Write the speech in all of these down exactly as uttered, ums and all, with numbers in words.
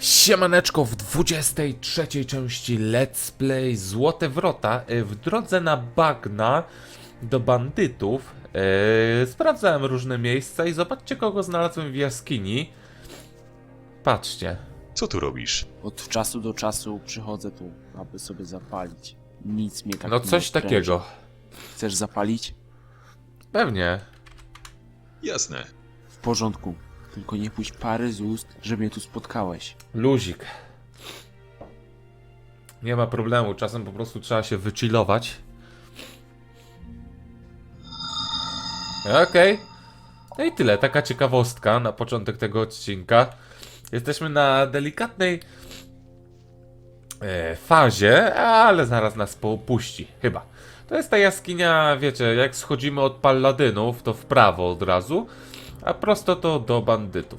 Siemaneczko, w dwudziestej trzeciej części Let's Play Złote Wrota w drodze na bagna do bandytów yy, sprawdzałem różne miejsca i zobaczcie, kogo znalazłem w jaskini. Patrzcie. Co tu robisz? Od czasu do czasu przychodzę tu, aby sobie zapalić. Nic mnie tak No nie coś odpręży. takiego. Chcesz zapalić? Pewnie. Jasne. W porządku. Tylko nie puść pary z ust, że mnie tu spotkałeś. Luzik. Nie ma problemu, czasem po prostu trzeba się wychillować. Okej. No i tyle, taka ciekawostka na początek tego odcinka. Jesteśmy na delikatnej e, fazie, ale zaraz nas popuści, chyba. To jest ta jaskinia, wiecie, jak schodzimy od paladynów, to w prawo od razu, a prosto to do bandytów.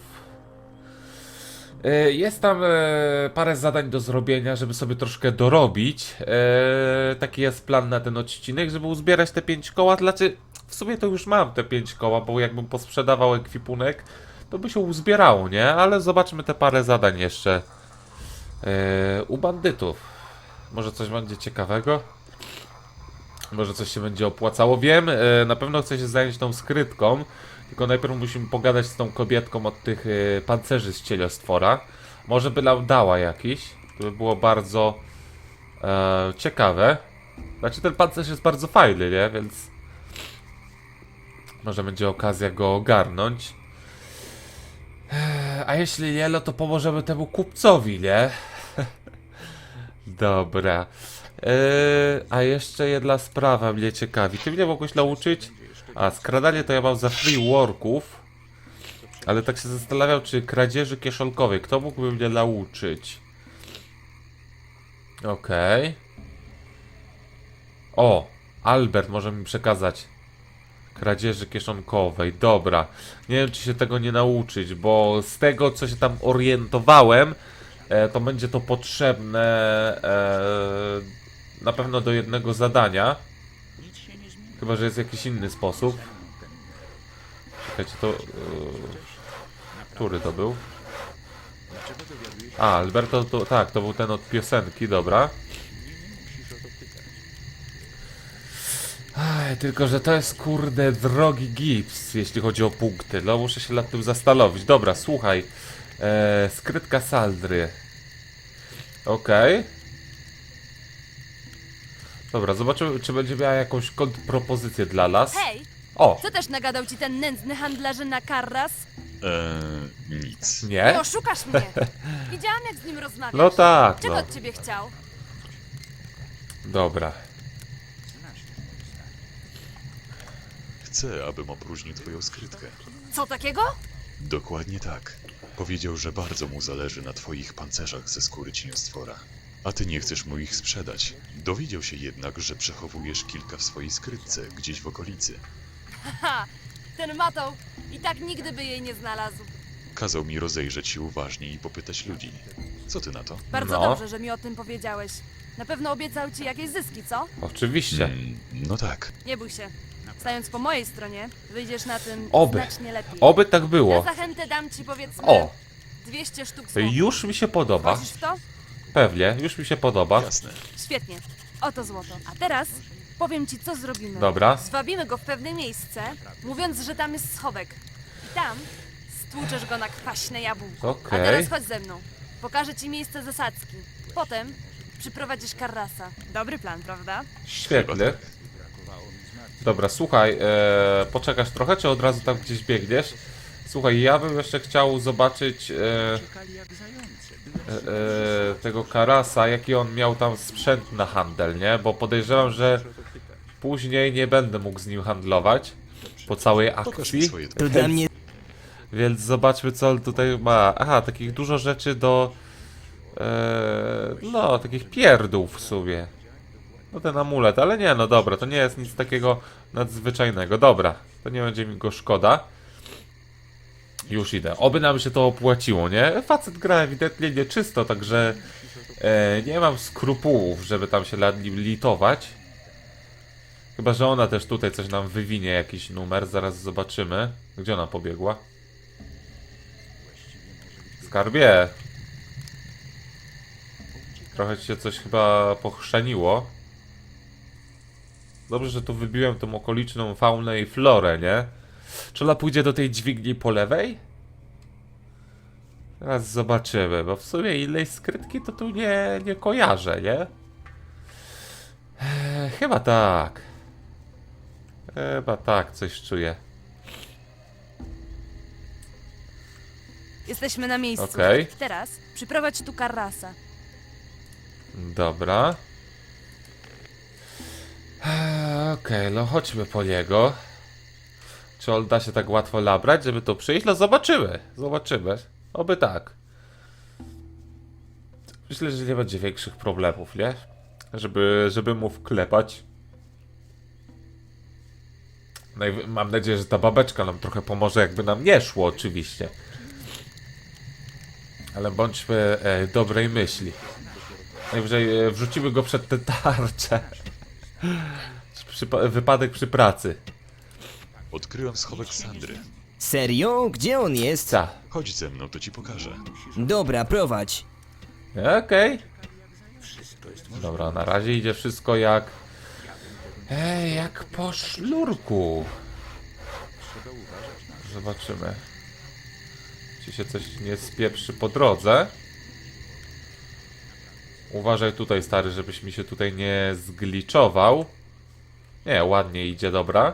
E, jest tam e, parę zadań do zrobienia, żeby sobie troszkę dorobić. E, taki jest plan na ten odcinek, żeby uzbierać te pięć koła. Znaczy, w sumie to już mam te pięć koła, bo jakbym posprzedawał ekwipunek, to by się uzbierało, nie? Ale zobaczmy te parę zadań jeszcze e, u bandytów. Może coś będzie ciekawego? Może coś się będzie opłacało? Wiem, e, na pewno chcę się zająć tą skrytką, tylko najpierw musimy pogadać z tą kobietką od tych e, pancerzy z cieliostwora. Może by nam dała jakiś. To by było bardzo e, ciekawe. Znaczy ten pancerz jest bardzo fajny, nie? Więc może będzie okazja go ogarnąć. A jeśli nie, no to pomożemy temu kupcowi, nie? Dobra. Eee, a jeszcze jedna sprawa mnie ciekawi. Ty mnie mogłeś nauczyć? A, skradanie to ja mam za free worków. Ale tak się zastanawiam, czy kradzieży kieszonkowej. Kto mógłby mnie nauczyć? Okej. Okay. O! Albert może mi przekazać kradzieży kieszonkowej. Dobra. Nie wiem, czy się tego nie nauczyć, bo z tego, co się tam orientowałem, e, to będzie to potrzebne e, na pewno do jednego zadania. Chyba że jest jakiś inny sposób. Czekajcie, to... E, który to był? A, Alberto, to, tak, to był ten od piosenki, dobra. Aj, tylko, że to jest kurde drogi gips, jeśli chodzi o punkty. No, muszę się nad tym zastanowić. Dobra, słuchaj. E, skrytka Saldry. Okej. Okay. Dobra, zobaczymy, czy będzie miała jakąś kontrpropozycję dla nas. Hej, O, co też nagadał ci ten nędzny handlarzyn Karras? Eee, nic. Nie nie? oszukasz mnie. Widziałam, jak z nim rozmawiasz. No tak, Czego no. od ciebie chciał? Dobra. Chcę, abym opróżnił twoją skrytkę. Co takiego? Dokładnie tak. Powiedział, że bardzo mu zależy na twoich pancerzach ze skóry cieniostwora. A ty nie chcesz mu ich sprzedać. Dowiedział się jednak, że przechowujesz kilka w swojej skrytce, gdzieś w okolicy. Haha, ten matą i tak nigdy by jej nie znalazł. Kazał mi rozejrzeć się uważnie i popytać ludzi. Co ty na to? Bardzo No. dobrze, że mi o tym powiedziałeś. Na pewno obiecał ci jakieś zyski, co? Oczywiście. Mm, no tak. Nie bój się. Stając po mojej stronie, wyjdziesz na tym Oby. znacznie lepiej. Oby tak Na było. zachętę dam ci powiedzmy O, dwieście sztuk złota. już mi się podoba. Wchodzisz w to? Pewnie, już mi się podoba. Jasne. Świetnie. Oto złoto. A teraz powiem ci, co zrobimy. Dobra. Zwabimy go w pewne miejsce, mówiąc, że tam jest schowek. I tam stłuczesz go na kwaśne jabłko. Okej. A teraz chodź ze mną. Pokażę ci miejsce zasadzki. Potem przyprowadzisz Karrasa. Dobry plan, prawda? Świetnie. Dobra, słuchaj, e, poczekasz trochę, czy od razu tam gdzieś biegniesz? Słuchaj, ja bym jeszcze chciał zobaczyć e, e, e, tego Karasa, jaki on miał tam sprzęt na handel, nie? Bo podejrzewam, że później nie będę mógł z nim handlować po całej Pokaż mi akcji. swoje To dla mnie Więc zobaczmy, co on tutaj ma. Aha, takich dużo rzeczy do... E, no, takich pierdół w sumie. No ten amulet, ale nie, no dobra, to nie jest nic takiego nadzwyczajnego. Dobra, to nie będzie mi go szkoda. Już idę. Oby nam się to opłaciło, nie? Facet gra ewidentnie nieczysto, także e, nie mam skrupułów, żeby tam się nad nim litować. Chyba że ona też tutaj coś nam wywinie, jakiś numer. Zaraz zobaczymy. Gdzie ona pobiegła? Skarbie. Trochę ci się coś chyba pochrzaniło. Dobrze, że tu wybiłem tą okoliczną faunę i florę, nie? Czy ona pójdzie do tej dźwigni po lewej? Teraz zobaczymy, bo w sumie innej skrytki to tu nie, nie kojarzę, nie? Eee, chyba tak. Chyba tak, coś czuję. Jesteśmy na miejscu. Okej. Teraz przyprowadź tu Karrasa. Dobra. Eee, Okej, no chodźmy po niego. Czy on da się tak łatwo nabrać, żeby to przyjść? No zobaczymy, zobaczymy. Oby tak. Myślę, że nie będzie większych problemów, nie? Żeby, żeby mu wklepać. Najwy- Mam nadzieję, że ta babeczka nam trochę pomoże, jakby nam nie szło, oczywiście. Ale bądźmy e, dobrej myśli. Najwyżej e, wrzucimy go przed tę tarczę. Przypa- wypadek przy pracy. Odkryłem schowek Sandry. Serio? Gdzie on jest? Co? Chodź ze mną, to ci pokażę. Dobra, prowadź. Okej. Dobra, na razie idzie wszystko jak... Ej, jak po sznurku. Zobaczymy. Czy się coś nie spieprzy po drodze. Uważaj tutaj, stary, żebyś mi się tutaj nie zgliczował. Nie, ładnie idzie, dobra.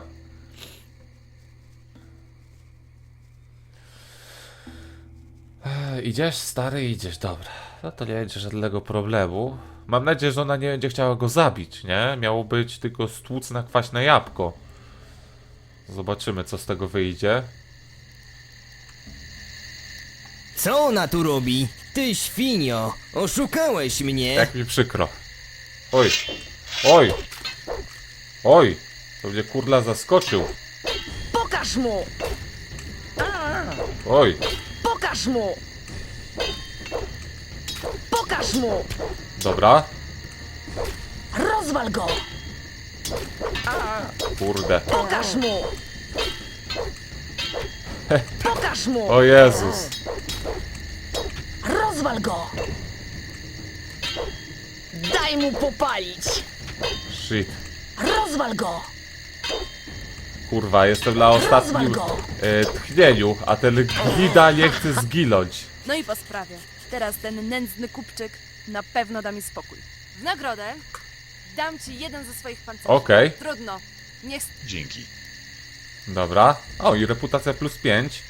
Ej, idziesz, stary, idziesz, dobra. No to nie będzie żadnego problemu. Mam nadzieję, że ona nie będzie chciała go zabić, nie? Miało być tylko stłuc na kwaśne jabłko. Zobaczymy, co z tego wyjdzie. Co ona tu robi? Ty świnio, oszukałeś mnie. Jak mi przykro. Oj. Oj. Oj. To mnie kurla zaskoczył. Pokaż mu! Oj. Pokaż mu! Pokaż mu! Dobra. Rozwal go! Kurde. Pokaż mu! Pokaż mu! O Jezus. Rozwal go! Daj mu popalić! Shit. Rozwal go! Kurwa, jestem na ostatnim go! e, tchnieniu, a ten glida nie chce zginąć. No i po sprawie. Teraz ten nędzny kupczyk na pewno da mi spokój. W nagrodę dam ci jeden ze swoich pancerzy. Okej. Trudno. Niech... Dzięki. Dobra. O, i reputacja plus pięć.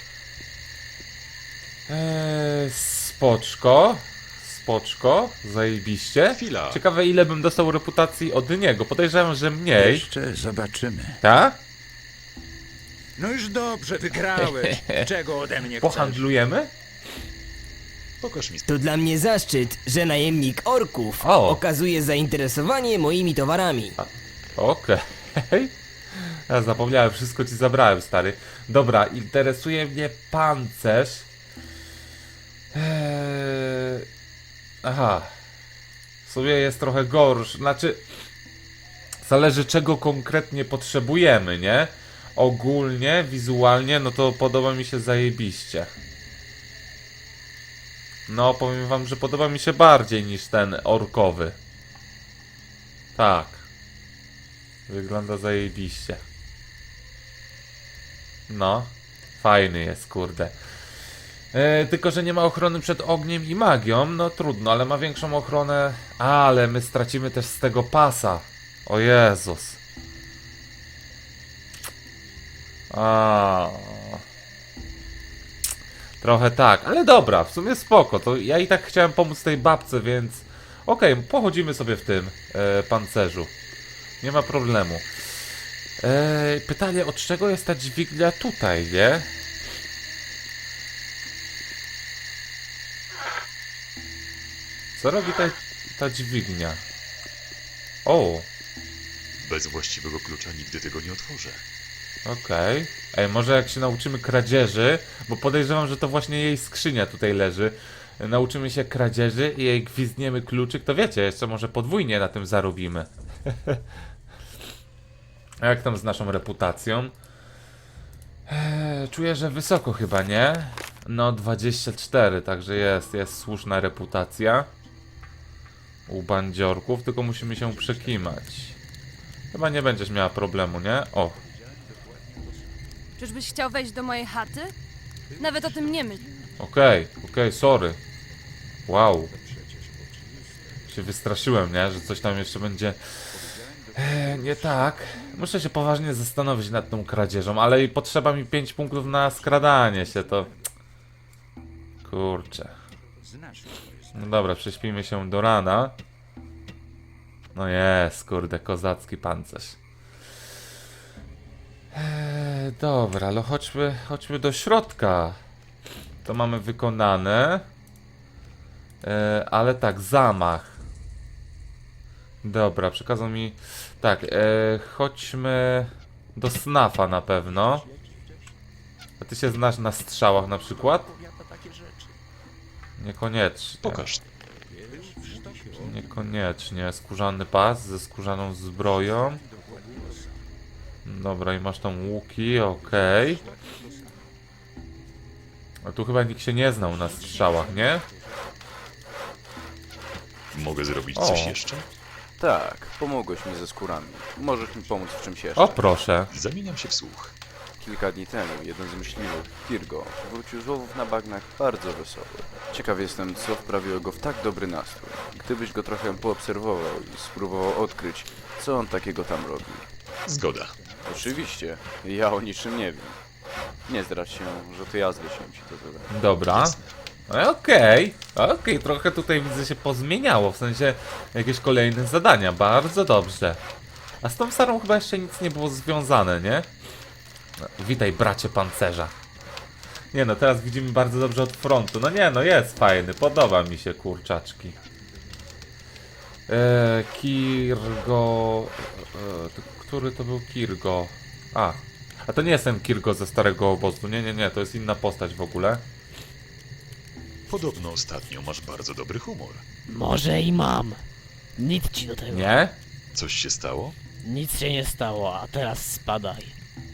Eee, spoczko. Spoczko. Zajebiście. Chwila. Ciekawe, ile bym dostał reputacji od niego. Podejrzewam, że mniej. Jeszcze zobaczymy. Tak? No już dobrze, wygrałeś. Czego ode mnie chcesz? Pohandlujemy? Pokaż mi. To dla mnie zaszczyt, że najemnik orków O. okazuje zainteresowanie moimi towarami. Okej. Ja zapomniałem, wszystko ci zabrałem, stary. Dobra, interesuje mnie pancerz. Eee... Aha. W sumie jest trochę gorszy. Znaczy, zależy czego konkretnie potrzebujemy, nie? Ogólnie, wizualnie, no to podoba mi się zajebiście. No, powiem wam, że podoba mi się bardziej niż ten orkowy. Tak. Wygląda zajebiście. No. Fajny jest, kurde. E, tylko, że nie ma ochrony przed ogniem i magią. No trudno, ale ma większą ochronę. A, ale my stracimy też z tego pasa. O Jezus. A. Trochę tak, ale dobra, w sumie spoko. To ja i tak chciałem pomóc tej babce, więc... Okej, okay, pochodzimy sobie w tym e, pancerzu. Nie ma problemu. E, pytanie, od czego jest ta dźwignia tutaj, nie? Co robi ta, ta dźwignia? O, Bez właściwego klucza nigdy tego nie otworzę. okej. Ej, może jak się nauczymy kradzieży, bo podejrzewam, że to właśnie jej skrzynia tutaj leży. Nauczymy się kradzieży i jej gwizdniemy kluczyk, to wiecie, jeszcze może podwójnie na tym zarobimy. A jak tam z naszą reputacją? Eee, czuję, że wysoko chyba, nie? No, dwadzieścia cztery, także jest, jest słuszna reputacja. u bandziorków, tylko musimy się przekimać. Chyba nie będziesz miała problemu, nie? O, Czyżbyś chciał wejść do mojej chaty? Nawet o tym nie myśl. okej, okej, sorry. Wow. Się wystraszyłem, nie? Że coś tam jeszcze będzie e, nie tak. Muszę się poważnie zastanowić nad tą kradzieżą, ale i potrzeba mi pięć punktów na skradanie się, to... Kurczę. No dobra, prześpimy się do rana. No jest, kurde, kozacki pancerz. Eee, dobra, ale chodźmy, chodźmy do środka. To mamy wykonane. Eee, ale tak, zamach. Dobra, przekazał mi... Tak, eee, chodźmy do snafa na pewno. A ty się znasz na strzałach na przykład? Niekoniecznie. Pokaż. Niekoniecznie. Skórzany pas ze skórzaną zbroją. Dobra, i masz tam łuki, okej. A tu chyba nikt się nie znał na strzałach, nie? Mogę zrobić O. coś jeszcze? Tak, pomogłeś mi ze skórami. Możesz mi pomóc w czymś jeszcze. O, proszę. Zamieniam się w słuch. Kilka dni temu jeden z myśliwych, Kirgo, wrócił z łowów na bagnach bardzo wesoły. Ciekaw jestem, co wprawiło go w tak dobry nastrój. Gdybyś go trochę poobserwował i spróbował odkryć, co on takiego tam robi. Zgoda. Oczywiście, ja o niczym nie wiem. Nie zdradź się, że to ja zleciłem ci to zadanie. Dobra. E, Okej, okej, trochę tutaj widzę się pozmieniało, w sensie jakieś kolejne zadania, bardzo dobrze. A z tą Sarą chyba jeszcze nic nie było związane, nie? No, witaj, bracie pancerza. Nie no, teraz widzimy bardzo dobrze od frontu. No nie no, jest fajny, podoba mi się, kurczaczki. Eee, Kirgo... Eee, to, który to był Kirgo? A, a to nie jest ten Kirgo ze starego obozu, nie, nie, nie, to jest inna postać w ogóle. Podobno ostatnio masz bardzo dobry humor. Może i mam. Nic ci do tego. Nie? Coś się stało? Nic się nie stało, a teraz spadaj.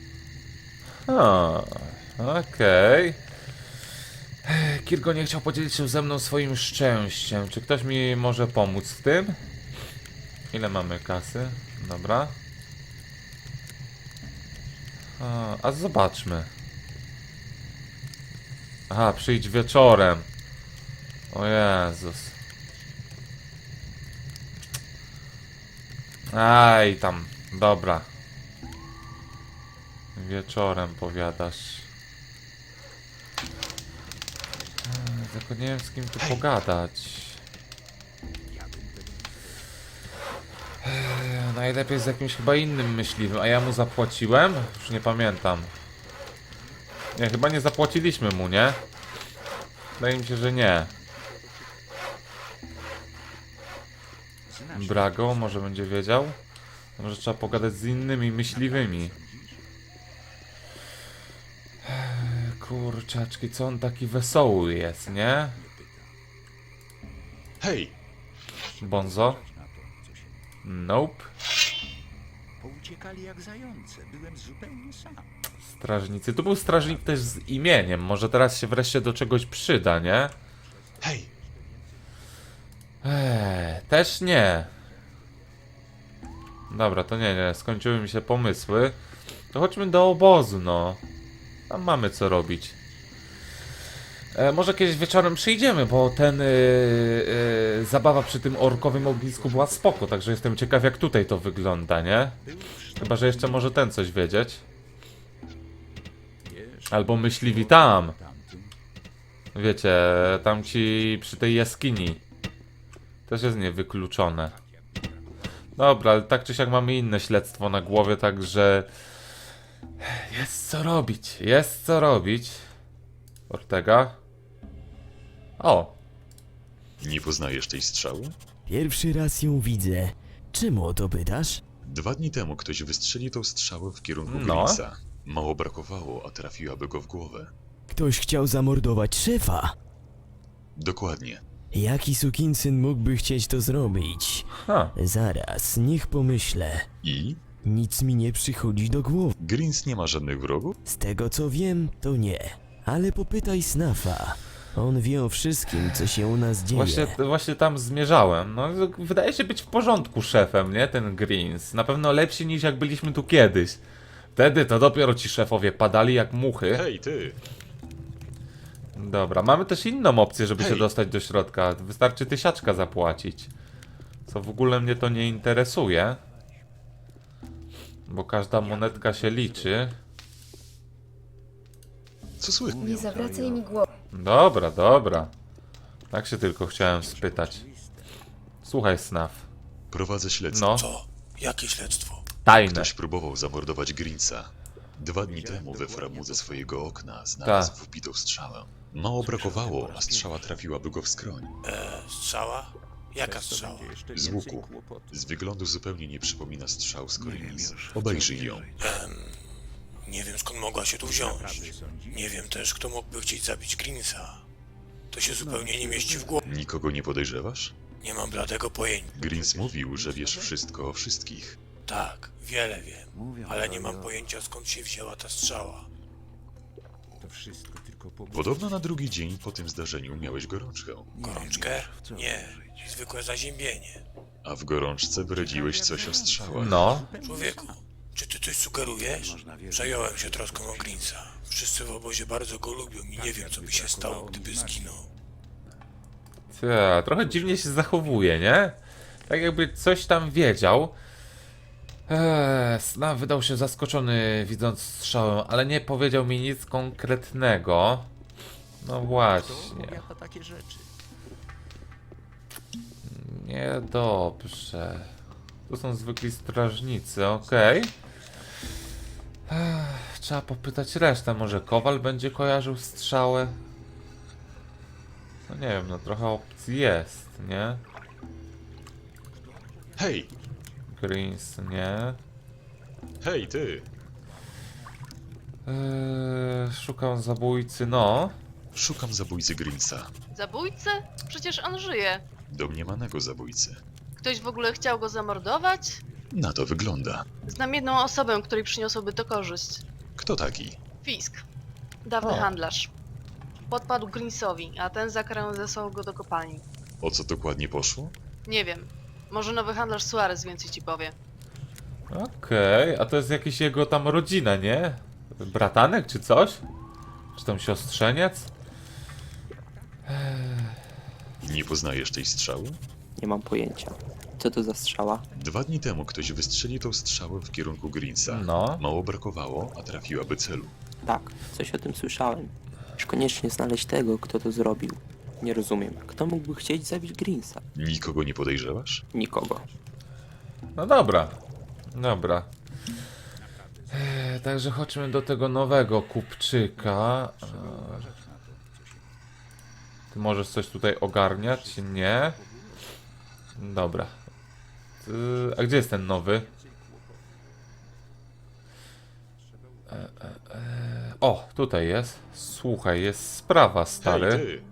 O, okej. Ech, Kirgo nie chciał podzielić się ze mną swoim szczęściem. Czy ktoś mi może pomóc w tym? Ile mamy kasy? Dobra. A, a zobaczmy. Aha, przyjdź wieczorem. O Jezus. Aj, tam. Dobra. Wieczorem powiadasz. Eee, Tylko nie wiem, z kim tu pogadać. Eee, Najlepiej z jakimś chyba innym myśliwym. A ja mu zapłaciłem? Już nie pamiętam. Nie, chyba nie zapłaciliśmy mu, nie? Wydaje mi się, że nie. Brago, może będzie wiedział? Może trzeba pogadać z innymi myśliwymi. Kurczaczki, co on taki wesoły jest, nie? Hej! Bonzo? Nope. Pouciekali jak zające. Byłem zupełnie sam. Strażnicy. Tu był strażnik też z imieniem. Może teraz się wreszcie do czegoś przyda, nie? Hej! Eee, też nie. Dobra, to nie, nie. Skończyły mi się pomysły. To chodźmy do obozu, no. Tam mamy co robić. E, może kiedyś wieczorem przyjdziemy, bo ten yy, yy, zabawa przy tym orkowym ognisku była spoko, także jestem ciekaw, jak tutaj to wygląda, nie? Chyba, że jeszcze może ten coś wiedzieć. Albo myśliwi tam. Wiecie, tam ci przy tej jaskini. Też jest niewykluczone. Dobra, ale tak czy siak mamy inne śledztwo na głowie, także... Jest co robić, jest co robić. Ortega. O, Nie poznajesz tej strzały? Pierwszy raz ją widzę. Czemu o to pytasz? Dwa dni temu ktoś wystrzelił tą strzałę w kierunku No. Grinsa. Mało brakowało, a trafiłaby go w głowę. Ktoś chciał zamordować szefa. Dokładnie. Jaki sukinsyn mógłby chcieć to zrobić? ha. Zaraz, niech pomyślę. I? Nic mi nie przychodzi do głowy. Grins nie ma żadnych wrogów? Z tego co wiem, to nie. Ale popytaj Snafa. On wie o wszystkim, co się u nas dzieje. Właśnie, właśnie tam zmierzałem. No, wydaje się być w porządku szefem, nie? Ten Greens. Na pewno lepszy niż jak byliśmy tu kiedyś. Wtedy to dopiero ci szefowie padali jak muchy. Hej, ty! Dobra, mamy też inną opcję, żeby się Hej. dostać do środka. Wystarczy tysiaczka zapłacić. Co w ogóle mnie to nie interesuje. Bo każda monetka się liczy. Co słychać? Nie zawracaj mi głowy. Dobra, dobra. Tak się tylko chciałem spytać. Słuchaj, Snaf. Prowadzę śledztwo. No, Co? Jakie śledztwo? tajne. Ktoś próbował zamordować Greensa. Dwa dni temu we framu ze swojego okna znalazł Tak. wbitą strzałę. Mało brakowało, a strzała trafiłaby go w skroń. E, strzała? Jaka strzała? Z łuku. Z wyglądu zupełnie nie przypomina strzał z Collins. Obejrzyj ją. Em, nie wiem skąd mogła się tu wziąć. Nie wiem też, kto mógłby chcieć zabić Greensa. To się zupełnie nie mieści w głowie. Nikogo nie podejrzewasz? Nie mam bladego pojęcia. Greens mówił, że wiesz wszystko o wszystkich. Tak, wiele wiem, ale nie mam pojęcia skąd się wzięła ta strzała. Podobno na drugi dzień po tym zdarzeniu miałeś gorączkę. Gorączkę? Nie, zwykłe zaziębienie. A w gorączce bredziłeś coś o strzałach. No, Człowieku, czy ty coś sugerujesz? Przejąłem się troską o Greensa. Wszyscy w obozie bardzo go lubią i nie wiem, co by się stało, gdyby zginął. ta, trochę dziwnie się zachowuje, nie? Tak jakby coś tam wiedział. Eee, Snaf wydał się zaskoczony widząc strzałę, ale nie powiedział mi nic konkretnego. No właśnie. Niedobrze. To są zwykli strażnicy, okej. Ech, Trzeba popytać resztę, może Kowal będzie kojarzył strzałę? No nie wiem, no trochę opcji jest, nie? Hej! Greens, nie? Hej, ty! Eee, szukam zabójcy, no. Szukam zabójcy Greensa. Zabójcę? Przecież on żyje. Domniemanego zabójcy. Ktoś w ogóle chciał go zamordować? Na to wygląda. Znam jedną osobę, której przyniosłoby to korzyść. Kto taki? Fisk. Dawny O. handlarz. Podpadł Greensowi, a ten za karę zesłał go do kopalni. O co dokładnie poszło? Nie wiem. Może nowy handlarz Suarez więcej ci powie. Okej, a to jest jakiś jego tam rodzina, nie? Bratanek czy coś? Czy tam siostrzeniec? Nie poznajesz tej strzały? Nie mam pojęcia. Co to za strzała? Dwa dni temu ktoś wystrzelił tą strzałę w kierunku Greensa. No. Mało brakowało, a trafiłaby celu. Tak, coś o tym słyszałem. Już koniecznie znaleźć tego, kto to zrobił. Nie rozumiem. Kto mógłby chcieć zabić Greensa? Nikogo nie podejrzewasz? Nikogo. No dobra. Dobra. Eee, także chodźmy do tego nowego kupczyka. Eee, ty możesz coś tutaj ogarniać? Nie. Dobra. Ty, a gdzie jest ten nowy? E, e, e. O, tutaj jest. Słuchaj, jest sprawa, stary. Hej, ty!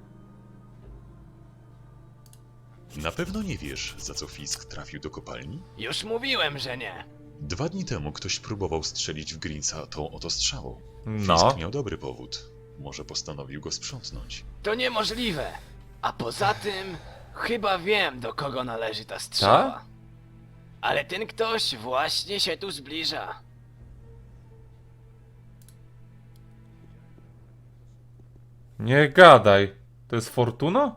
Na pewno nie wiesz, za co Fisk trafił do kopalni? Już mówiłem, że nie. Dwa dni temu ktoś próbował strzelić w Greensa tą oto strzałą. No. Fisk miał dobry powód. Może postanowił go sprzątnąć. To niemożliwe. A poza tym, chyba wiem, do kogo należy ta strzała. Ta? Ale ten ktoś właśnie się tu zbliża. Nie gadaj. To jest Fortuna?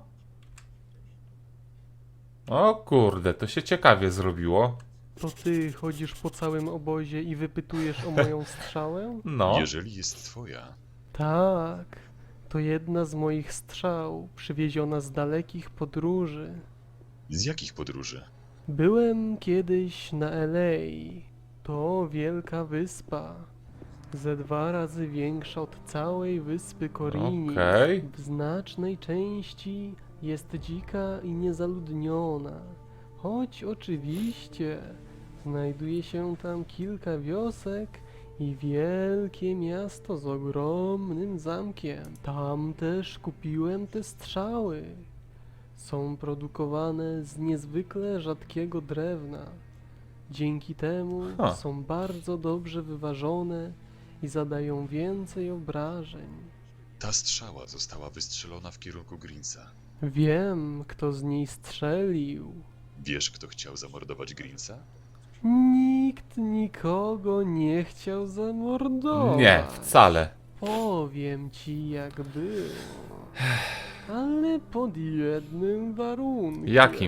O kurde, to się ciekawie zrobiło. To ty chodzisz po całym obozie i wypytujesz o moją strzałę? No. Jeżeli jest twoja, Tak, to jedna z moich strzał, przywieziona z dalekich podróży. z jakich podróży? Byłem kiedyś na L A. To wielka wyspa. Ze dwa razy większa od całej wyspy Korini. Okej. W znacznej części jest dzika i niezaludniona. Choć oczywiście znajduje się tam kilka wiosek i wielkie miasto z ogromnym zamkiem. Tam też kupiłem te strzały. Są produkowane z niezwykle rzadkiego drewna. Dzięki temu Ha. są bardzo dobrze wyważone i zadają więcej obrażeń. Ta strzała została wystrzelona w kierunku Greensa. Wiem, kto z niej strzelił. Wiesz, kto chciał zamordować Greensa? Nikt nikogo nie chciał zamordować. Nie, wcale. Powiem ci jak było. Ale pod jednym warunkiem. Jakim?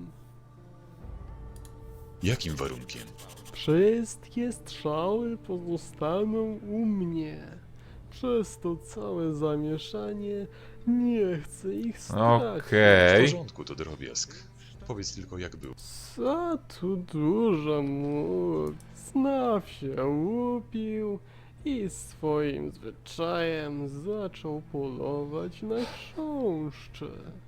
Jakim warunkiem? Wszystkie strzały pozostaną u mnie. Przez to całe zamieszanie nie chcę ich stracić. W Okej. porządku, to drobiazg. Powiedz tylko, jak było. Co tu dużo mówić. Snaw się łupił i swoim zwyczajem zaczął polować na chrząszcze.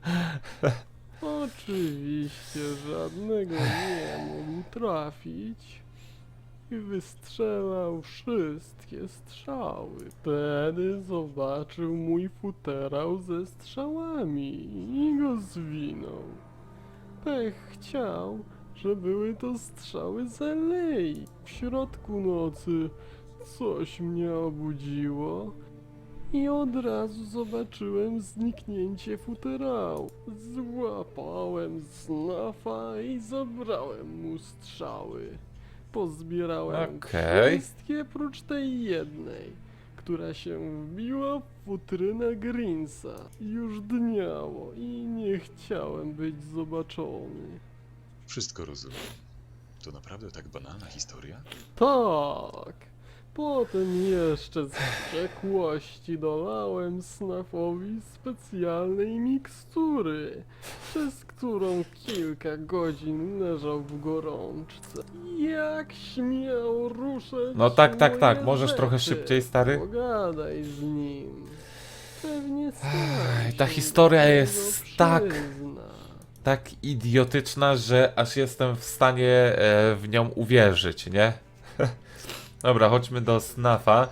Oczywiście żadnego nie mógł trafić i wystrzelał wszystkie strzały. Wtedy zobaczył mój futerał ze strzałami i go zwinął. Pech chciał, że były to strzały z alei. W środku nocy coś mnie obudziło i od razu zobaczyłem zniknięcie futerału. Złapałem snafa i zabrałem mu strzały. Pozbierałem Okej. wszystkie prócz tej jednej, która się wbiła w futrynę Greensa. Już dniało i nie chciałem być zobaczony. Wszystko rozumiem. To naprawdę tak banalna historia? Tak. Potem jeszcze z wściekłości dolałem snafowi specjalnej mikstury, przez którą kilka godzin leżał w gorączce. Jak śmiał ruszać No tak, tak, tak. moje Możesz trochę rzeczy? szybciej, stary? Pogadaj z nim. Pewnie sam Ej, ta się historia do tego jest tak- przyzna. Tak idiotyczna, że aż jestem w stanie e, w nią uwierzyć, nie? Dobra, chodźmy do Snafa.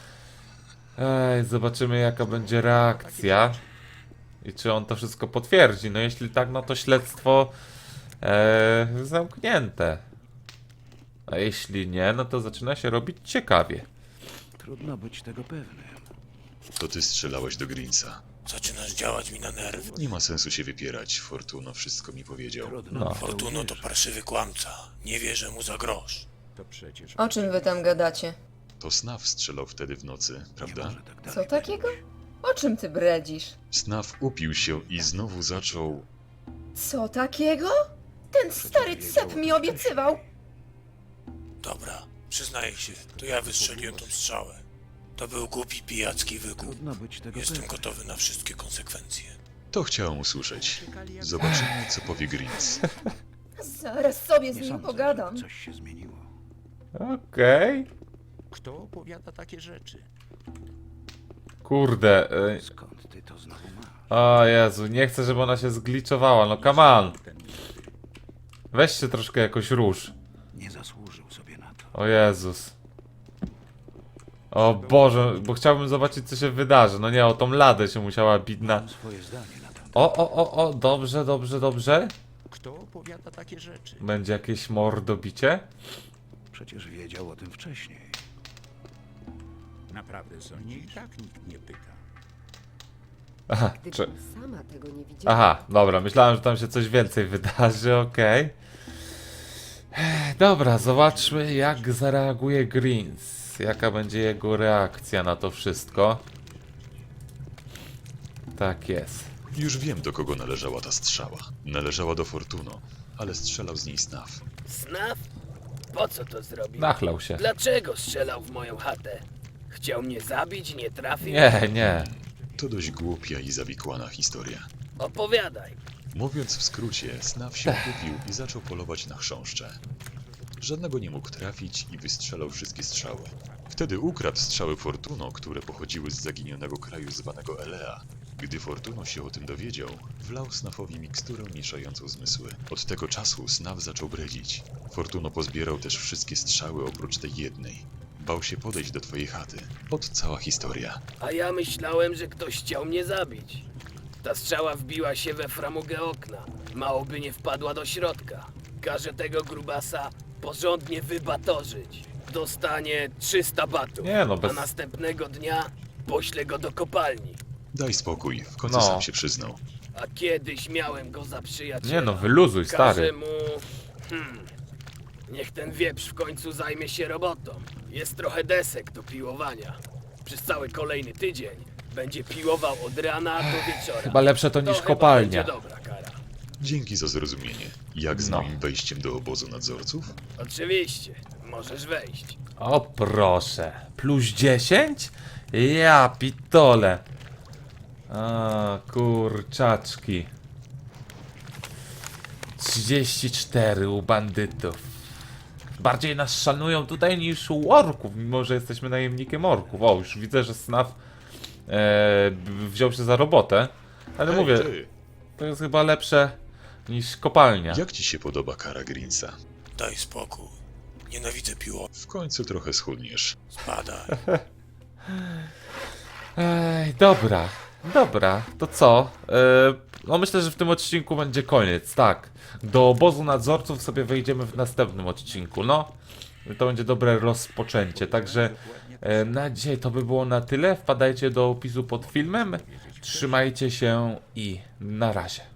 Ej, zobaczymy jaka będzie reakcja. I czy on to wszystko potwierdzi. No jeśli tak, no to śledztwo e, zamknięte. A jeśli nie, no to zaczyna się robić ciekawie. Trudno być tego pewnym. To ty strzelałeś do Greensa. Zaczynasz działać mi na nerwy. Nie ma sensu się wypierać, Fortuno wszystko mi powiedział. Trudno No. w to Fortuno to uwierzyć. parszywy kłamca. Nie wierzę mu za grosz. To przecież O czym wy tam gadacie? To Snaf strzelał wtedy w nocy, nie prawda? może tak dalej Co takiego? O czym ty bredzisz? Snaf upił się i znowu zaczął... Co takiego? Ten stary cep mi obiecywał. Dobra, przyznaję się, to ja wystrzeliłem tą strzałę. To był głupi pijacki wygłup. Trudno być tego Jestem pewnym. gotowy na wszystkie konsekwencje. To chciałem usłyszeć. Zobaczymy, co powie Greens. Zaraz sobie z Nie nim sądzę, pogadam. że coś się zmieniło. Okej. Kto opowiada takie rzeczy? Kurde. E, Skąd ty to znowu masz? o Jezu, nie chcę, żeby ona się zgliczowała. No come on. Weź się troszkę jakoś rusz. Nie zasłużył sobie na to. O Jezus. O Boże, bo chciałbym zobaczyć co się wydarzy. No nie, o tą ladę się musiała bić na... Mam swoje zdanie na ten temat. O, o, o, o, dobrze, dobrze, dobrze. Kto opowiada takie rzeczy? Będzie jakieś mordobicie? Przecież wiedział o tym wcześniej. Naprawdę sądzisz? I tak nikt nie pyta. Aha, czy... Gdybym sama tego nie widziała. Aha, dobra, myślałem, że tam się coś więcej wydarzy, okej. Dobra, zobaczmy jak zareaguje Greens. Jaka będzie jego reakcja na to wszystko. Tak jest. Już wiem, do kogo należała ta strzała. Należała do Fortuno, ale strzelał z niej Snaf. Snaf? Po co to zrobił? Nachlał się. Dlaczego strzelał w moją chatę? Chciał mnie zabić, nie trafił? Nie, nie. To dość głupia i zawikłana historia. Opowiadaj. Mówiąc w skrócie, Snaf się kupił i zaczął polować na chrząszcze. Żadnego nie mógł trafić i wystrzelał wszystkie strzały. Wtedy ukradł strzały Fortuno, które pochodziły z zaginionego kraju zwanego Elea. Gdy Fortuno się o tym dowiedział, wlał Snafowi miksturę mieszającą zmysły. Od tego czasu Snaf zaczął bredzić. Fortuno pozbierał też wszystkie strzały oprócz tej jednej. Bał się podejść do twojej chaty. Od cała historia. A ja myślałem, że ktoś chciał mnie zabić. Ta strzała wbiła się we framugę okna. Mało by nie wpadła do środka. Każę tego grubasa porządnie wybatorzyć. Dostanie trzysta batów. Nie no, bez- A następnego dnia poślę go do kopalni. Daj spokój, w końcu No. sam się przyznał. A kiedyś miałem go za przyjaciela. Nie no, wyluzuj, Każę stary. mu... Hmm... Niech ten wieprz w końcu zajmie się robotą. Jest trochę desek do piłowania. Przez cały kolejny tydzień będzie piłował od rana do wieczora. Chyba lepsze to To niż chyba kopalnia. będzie dobra kara. Dzięki za zrozumienie. Jak z No. moim wejściem do obozu nadzorców? Oczywiście, możesz wejść. O proszę. Plus dziesięć? Ja pitole. A kurczaczki. trzydzieści cztery u bandytów. Bardziej nas szanują tutaj niż u orków, mimo że jesteśmy najemnikiem orków. O, już widzę, że Snaf e, wziął się za robotę. Ale Hej, mówię, ty, to jest chyba lepsze niż kopalnia. jak ci się podoba kara Greensa? Daj spokój. Nienawidzę piło. W końcu trochę schudniesz. Spadaj. Ej, dobra, dobra, to co? E, no myślę, że w tym odcinku będzie koniec, tak. Do obozu nadzorców sobie wejdziemy w następnym odcinku, no. To będzie dobre rozpoczęcie, także e, na dzisiaj to by było na tyle. Wpadajcie do opisu pod filmem, trzymajcie się i na razie.